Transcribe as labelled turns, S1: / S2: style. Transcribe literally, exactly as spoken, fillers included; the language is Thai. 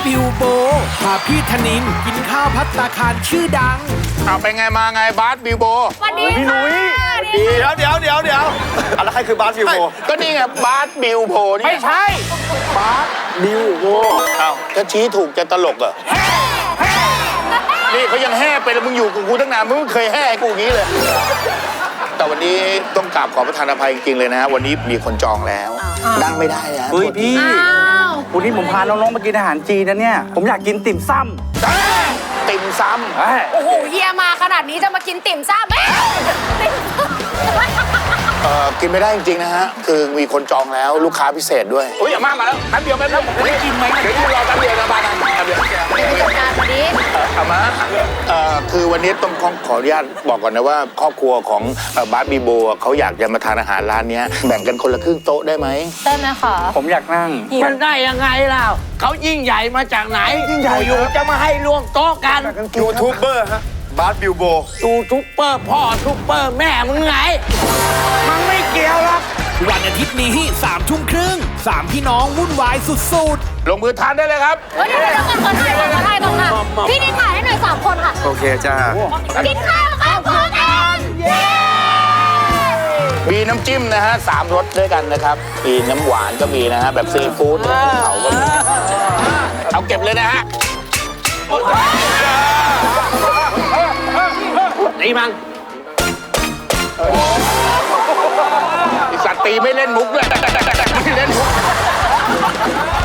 S1: บิวโบพาพี่ธนินกินข้าวพัตตาคารชื่อดัง
S2: เอาไปไงมาไงบาสบิวโบ
S3: สวัสดี
S4: พี่หนุ่ย
S3: ดี
S4: เดี๋ยวเดี๋ยวเดี๋ยวเดี๋ยวอะไรใครคือบาสบิวโบ
S2: ก็นี่ไงบาสบิวโบนี่
S4: ไม่ใช่บาสบิวโบ
S2: เอาถ้าชี้ถูกจะตลกเหรอนี่เขายังแห่ไปแล้วมึงอยู่กับกูตั้งนานมึงไม่เคยแห่กูอย่างนี้เลย แต่วันนี้ต้องกราบขอประทานอภัยจริงๆเลยนะฮะวันนี้มีคนจองแล้วนั่งไม่ได้นะ
S4: เฮ้ยพี่
S3: อ้าว
S4: วันนี้ผมพาน้องๆมากินอาหารจีนนะเนี่ยผมอยากกินติ่มซ้ำ
S2: ติ่มซ้
S4: เอ้ย
S3: โอ้โหเฮียมาขนาดนี้จะมากินติ่มซ่ำเอ๊ะ
S2: ำเอ่อกินไม่ได้จริงๆนะฮะคือมีคนจองแล้วลูกค้าพิเศษด้วยอุ้ยอย่ามามาแล้วแป๊บเดียวแป๊บเดียวผมได้กินไหมเดี๋ยวรอแป๊บเดียวนะบ้านนั้นแป๊บเดียว
S3: มีจัดการวันนี้
S2: เอามาเอ่อคือวันนี้ต้องขอขออนุญาตบอกก่อนนะว่าครอบครัวของเอ่อบาสบีโบเขาอยากจะมาทานอาหารร้านเนี้ยแบ่งกันคนละครึ่งโต๊ะได้ไหม
S3: ได้ไหมคะ
S4: ผมอยากนั่ง
S5: มันได้ยังไงล่ะเขายิ่งใหญ่มาจากไหน
S4: ยิ่งใหญ่
S5: อยู่ๆจะมาให้รวมโต๊ะกัน
S4: ยูทูบเบอร์ฮะบาสบิวโบ
S5: ยูทูปเปอร์พ่อทูปเปอร์แม่มึงไง มันไม่เกี่ยวหรอก
S1: วันอาทิตย์นี้สามทุ่มครึ่งสามพี่น้องวุ่นวายสุดๆ
S2: ลงมือทานได้เลยครับ
S3: เฮ้ยเดี๋ยวเดี๋ยวก่อนขอถ่ายก่อนขอถ่ายก่อนค่ะ พี่นิดถ่ายให้หน่อยสามคนค่ะ
S4: โอเคจ้า
S3: กินข้าวข้าวของเองเย้
S2: มีน้ำจิ้มนะฮะสามรสด้วยกันนะครับมีน้ำหวานก็มีนะฮะแบบซีฟู้ดน้ำภูเขาก็มีเอาเก็บเลยนะฮะ
S5: ตีมัน
S2: ไอสัตว์ตีไม่เล่นมุกด้วยไม่เล่นมุก